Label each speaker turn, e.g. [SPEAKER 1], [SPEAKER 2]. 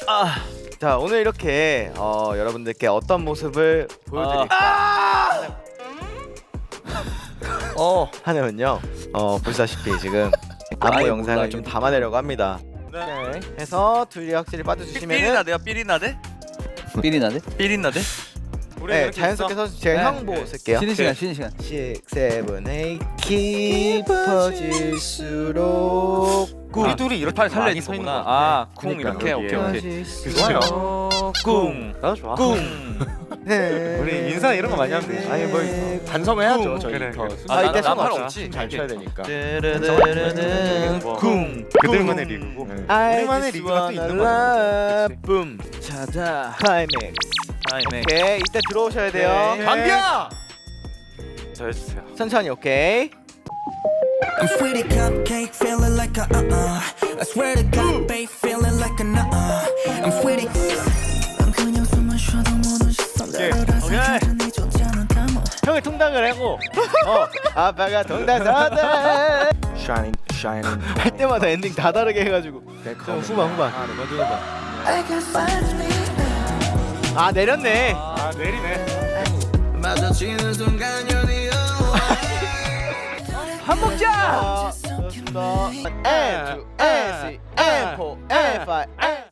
[SPEAKER 1] 자 오늘 이렇게 여러분들께 어떤 모습을 보여드릴까 하냐면요 보시다시피 지금 안무 영상을 좀 담아내려고 합니다. 네. 해서 둘이 확실히 빠져주시면은
[SPEAKER 2] 삐리나대요 삐리나대?
[SPEAKER 3] 삐리나네?
[SPEAKER 2] 삐리나대?
[SPEAKER 1] 네 자연스럽게 써서 제가 형 보고 쓸게요.
[SPEAKER 3] 쉬는 시간 쉬는 시간
[SPEAKER 1] 6, 7, 8 깊어질수록
[SPEAKER 2] 우리 둘이 이렇게
[SPEAKER 3] 팔 살려
[SPEAKER 2] 많이
[SPEAKER 3] 있는
[SPEAKER 2] 서 있는
[SPEAKER 3] 거구나.
[SPEAKER 2] 거구나.
[SPEAKER 3] 아,
[SPEAKER 2] 쿵
[SPEAKER 1] 그러니까.
[SPEAKER 2] 이렇게 오케이.
[SPEAKER 1] 좋아요.
[SPEAKER 2] 쿵.
[SPEAKER 4] 나도 좋아.
[SPEAKER 2] 쿵.
[SPEAKER 4] 우리 인사 이런 거 많이 하면 돼. 아니 뭐 반성해야죠 저희.
[SPEAKER 2] 그래, 그래.
[SPEAKER 1] 아, 이때
[SPEAKER 2] 나팔
[SPEAKER 1] 상관없어.
[SPEAKER 2] 없지.
[SPEAKER 4] 잘 쳐야 되니까.
[SPEAKER 1] 쿵
[SPEAKER 4] 그들만의 리그고. 우리만의 리그가 또 있는 거죠.
[SPEAKER 1] 붐 찾아 클라이맥스. 오케이 이때 들어오셔야 돼요.
[SPEAKER 4] 네. 강비야.
[SPEAKER 2] 저 해주세요.
[SPEAKER 1] 천천히 오케이.
[SPEAKER 5] I'm sweetie cupcake, feeling like a I swear to God, babe, feeling like a I'm sweetie. 난 그냥 숨만 쉬어도 모든 시선들을 다 천천히 줬잖아, come on.
[SPEAKER 1] 형이 통닭을 하고 아빠가 통닭 사다
[SPEAKER 4] Shining.
[SPEAKER 1] 할 때마다 엔딩 다 다르게 해가지고 좀 후반
[SPEAKER 5] I can find me.
[SPEAKER 1] 아 내렸네.
[SPEAKER 4] 아 내리네.
[SPEAKER 5] 마주치는 순간 연이어.
[SPEAKER 1] 밥 먹자. 좋습니다. N2 N3 N4 N5 N